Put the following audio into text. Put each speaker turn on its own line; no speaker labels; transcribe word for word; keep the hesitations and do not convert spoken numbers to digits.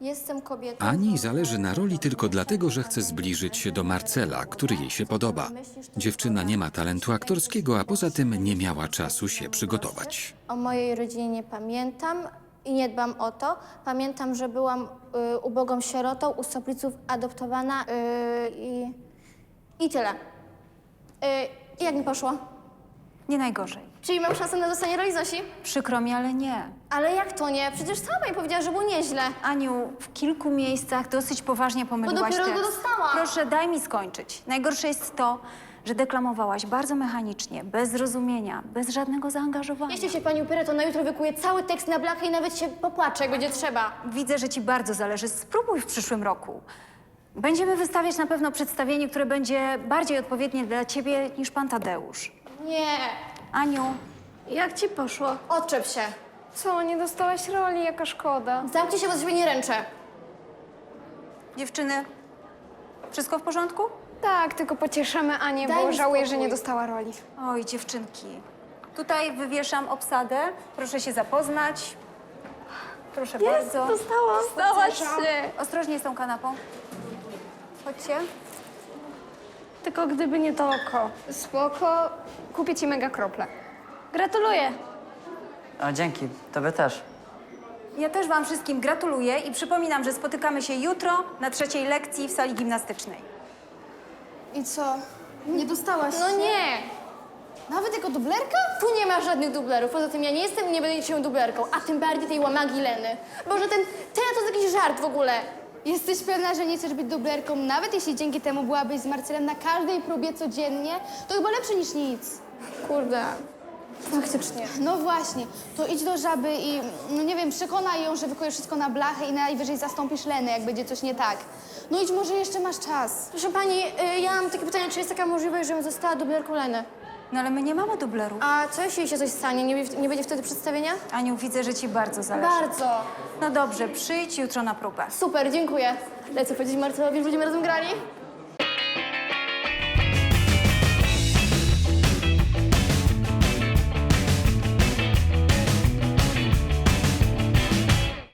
Jestem kobietą.
Ani zależy na roli tylko dlatego, że chce zbliżyć się do Marcela, który jej się podoba. Dziewczyna nie ma talentu aktorskiego, a poza tym nie miała czasu się przygotować.
O mojej rodzinie nie pamiętam i nie dbam o to. Pamiętam, że byłam y, ubogą sierotą, u Sopliców adoptowana y, i, i tyle. Y, I jak mi poszło?
Nie najgorzej.
Czyli mam szansę na dostanie roli Zosi?
Przykro mi, ale nie.
Ale jak to nie? Przecież sama mi powiedziała, że było nieźle.
Aniu, w kilku miejscach dosyć poważnie pomyliłaś
dopiero
tekst.
go dostałam.
Proszę, daj mi skończyć. Najgorsze jest to, że deklamowałaś bardzo mechanicznie, bez zrozumienia, bez żadnego zaangażowania.
Jeśli się pani upiera, to na jutro wykuję cały tekst na blachę i nawet się popłaczę, jak będzie trzeba.
Widzę, że ci bardzo zależy. Spróbuj w przyszłym roku. Będziemy wystawiać na pewno przedstawienie, które będzie bardziej odpowiednie dla ciebie niż pan Tadeusz.
Nie.
Aniu,
Jak ci poszło?
Odczep się.
Co, nie dostałaś roli? Jaka szkoda.
Zamknij się, bo z siebie nie ręczę.
dziewczyny, wszystko w porządku?
Tak, tylko pocieszymy Anię,
Daj
bo
mi
żałuję,
spokój.
że nie dostała roli.
Oj, dziewczynki. Tutaj wywieszam obsadę. Proszę się zapoznać. Proszę bardzo.
Dostałam. Dostałaś się.
Ostrożnie z tą kanapą. Chodźcie.
Tylko gdyby nie to oko. Spoko, kupię ci mega krople. Gratuluję.
O, dzięki. Tobie też.
Ja też wam wszystkim gratuluję i przypominam, że spotykamy się jutro na trzeciej lekcji w sali gimnastycznej.
I co? Nie dostałaś No nie. Nawet jako dublerka? Tu nie ma żadnych dublerów. Poza tym ja nie jestem i nie będę niczym dublerką, a tym bardziej tej łamagi Leny. Boże, ten teatr to jest jakiś żart w ogóle.
Jesteś pewna, że nie chcesz być dublerką, nawet jeśli dzięki temu byłabyś z Marcelem na każdej próbie codziennie? To chyba lepsze niż nic.
Kurde. Faktycznie.
No właśnie, to idź do żaby i, no nie wiem, przekonaj ją, że wykujesz wszystko na blachę i najwyżej zastąpisz Lenę, jak będzie coś nie tak. No idź, może jeszcze masz czas.
Proszę pani, y, ja mam takie pytanie, czy jest taka możliwość, żebym została dublerką Leny?
No ale my nie mamy dublerów.
A co jeśli się coś stanie? Nie, nie będzie wtedy przedstawienia?
Aniu, widzę, że ci bardzo zależy.
Bardzo.
No dobrze, przyjdź jutro na próbę.
Super, dziękuję. Lecę powiedzieć Marcelowi, że będziemy razem grali?